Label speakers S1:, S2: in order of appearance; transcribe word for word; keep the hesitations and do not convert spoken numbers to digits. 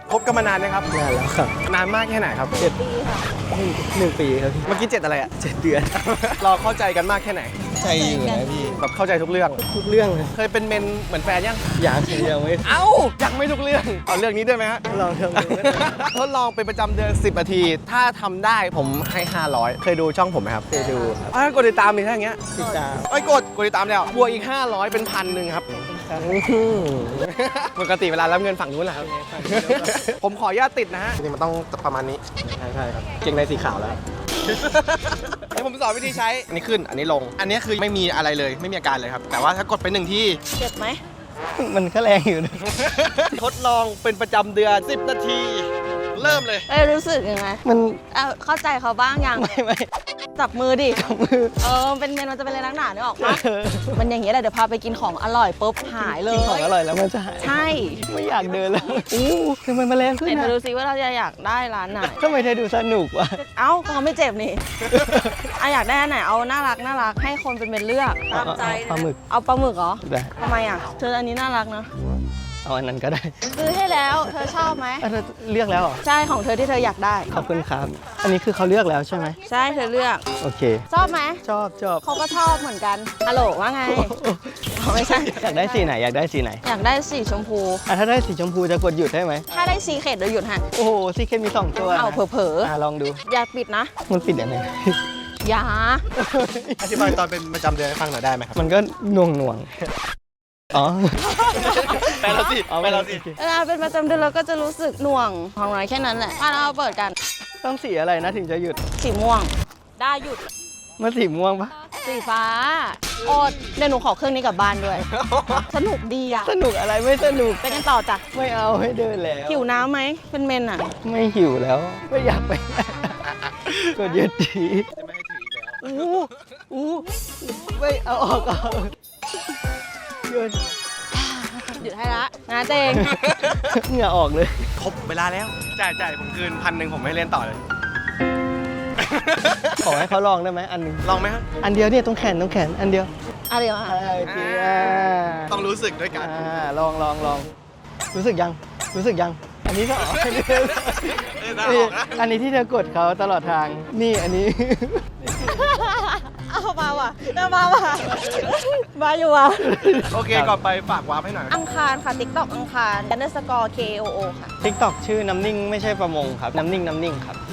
S1: คบกันมานานไหมครับ
S2: นานแล้วครับ
S1: นานมากแค่ไหนครับ
S2: เจ็ดปีค่ะหนึ่งปีครับพี่
S1: เมื่อกี้เจ็ดอะไรอ่ะ
S2: เจ็ดเดือน
S1: เราเข้าใจกันมากแค่ไหน
S2: ใจอยู่นะพี่
S1: แบบเข้าใจทุกเรื่อง
S2: ทุกเรื่องเลย
S1: เคยเป็นเมนเหมือนแฟนยัง
S2: อยากยังไม่
S1: เอ้ายังไม่ทุกเรื่องเอาเรื่องนี้ด้วยไหมฮะ
S2: ลองทำดูก็ได้
S1: ทดลองเป็นประจำเดือนสิบนาที ถ้าทำได้ผมให้ห้าร้อยเคยดูช่องผมไหมครับ
S2: เคยดูครับ
S1: อ้าวกดติดตามมีแค่อย่างเงี้ย
S2: ติดตาม
S1: ไอ้ยกดกดติดตามแล้วบวกอีกห้าร้อยเป็นพันหนึ่งครับ
S2: อื้อหือ
S1: ปกติเวลารับเงินฝั่งนู้นแหละครับ ผมขออนุญาตติดนะฮะนี่มันต้องประมาณนี้
S2: ใช่ใช่ครับเกงในสีขาวแล้ว
S1: เดี๋ยวผมสอนวิธีใช้ อันนี้ขึ้น อันนี้ลง อันนี้คือไม่มีอะไรเลย ไม่มีอาการเลยครับ แต่ว่าถ้ากดไปหนึ่งที่
S3: เจ็บไหม
S2: มันก็แรงอยู่นะ
S1: ทดลองเป็นประจำเดือน สิบ นาที เริ่มเลย
S3: เอ้ยรู้สึกยังไง
S2: มัน
S3: เอาเข้าใจเขาบ้างยัง
S2: ไม่ไม่
S3: จับมือดิ
S2: กับมือ
S3: เออเป็นเมนมันจะเป็นอะไรนักหนาเนี่ยออกปะมันอย่างเงี้ยแหละเดี๋ยวพาไปกินของอร่อยปุ๊บหายเล
S2: กินของ
S3: ย
S2: อร่อยแล้วมันจะหาย
S3: ใช่
S2: ไม่อยากเดินแล้วอู้ทำไมมันแรงขึ้น
S3: เดี๋ยว
S2: นะ
S3: ดูซิว่าเราจะอยากได้ร้านไหน
S2: ทำไมเธอดูสนุกวะ
S3: เอ้าก็เขาไม่เจ็บนี่ อ่ะอยากได้อันไหนเอาน่ารักน่ารักให้คนเป็นเมนเลือกตามใจ
S2: ปลาหมึก
S3: เอาปลาหมึกเหรอ
S2: ได้
S3: ทำไมอ่ะเธออันนี้น่ารักเนอะ
S2: เอาอันนั้นก็ได้
S3: ซื้อให้แล้วเธอชอบไหม
S2: อ่ะเธอเลือกแล้วเหรอ
S3: ใช่ของเธอที่เธออยากได้
S2: ขอบคุณครับ อันนี้คือเขาเลือกแล้วใช่ไหม
S3: ใช่เธอเลือก
S2: โอเค
S3: ชอบไหม
S2: ชอบชอบ
S3: เขาก็ชอบเหมือนกันฮัลโหลว่าไงอ๋อไม่ใช่
S2: อยากได้สีไหนอยากได้สีไหน
S3: อยากได้สีชมพู
S2: อ่ะถ้าได้สีชมพูจะกดหยุดได้ไหม
S3: ถ้าได้สีเขตเดี๋ยวหยุดฮะ
S2: โอ้โหซีเคมีสองตัวนะ
S3: เอาเผลอ
S2: อ่ะลองดู
S3: ๆอย่าปิดนะ
S2: มันปิดยังไง
S3: อย่า
S1: อธิบายตอนเป็นประจำเดือนให้ฟังหน่อยได้ไหมครับ
S2: มันก็หน่วงหน่วงอ๋อ
S1: แปลเราสิ
S2: เอา
S1: แปลเราสิ
S2: โอเค
S3: เวลาเป็นประจำเดือนเราก็จะรู้สึกหน่วงของน้อยแค่นั้นแหละอ่ะเราเปิดกัน
S2: ต้องสีอะไรนะถึงจะหยุด
S3: สีม่วง ได้หยุด
S2: มันสีม่วงปะ
S3: สีฟ้าโอดเดี๋ยวหนูขอเครื่องนี้กลับบ้านด้วย สนุกดีอ่ะ
S2: สนุกอะไรไม่สนุก
S3: ไปกันต่อจ้ะ
S2: ไม่เอาให้เดินแล้ว
S3: หิวน้ำไหมเป็นเมนอ่ะ
S2: ไม่หิวแล้ว ไม่อยากไป กดหยุดที
S1: จะไม่ให้ถืออีกแล้ว
S2: อู้อู้ไม่เอาออกเอาหยุด
S3: หยุดให้ละนะเจง
S2: เหงื่อออกเลย
S1: ครบเวลาแล้ว จ่ายจ่ายผมคืนพันหนึ่งผมไม่เล่นต่อเลย
S2: ขอให้เขาลองได้ไหมอันหนึ่ง
S1: ลองไหมครับ
S2: อันเดียวเนี่ยตรงแขนตรงแขนอันเดียว
S3: อะไรวะ
S2: อ่าโอเคอ่า
S1: ต้องรู้สึกด้วยกัน
S2: อ่าลองลองลองรู้สึกยังรู้สึกยัง อันนี้ก็ออก
S1: เออน่าออกนะ
S2: อันนี้ที่เธอกดเขาตลอดทาง นี่อันนี้
S3: เอามาว่ะเอามาว่ะมาอยู่ว่ะ
S1: โอเค ก่อนไปฝากวาร์ปให้หน่อย
S3: อังคารค่ะ TikTok อังคาร underscore K O O ค่ะ
S2: ทิกตอกชื่อน้ำนิ่งไม่ใช่ประมงครับ น้ำนิ่งน้ำนิ่งครับ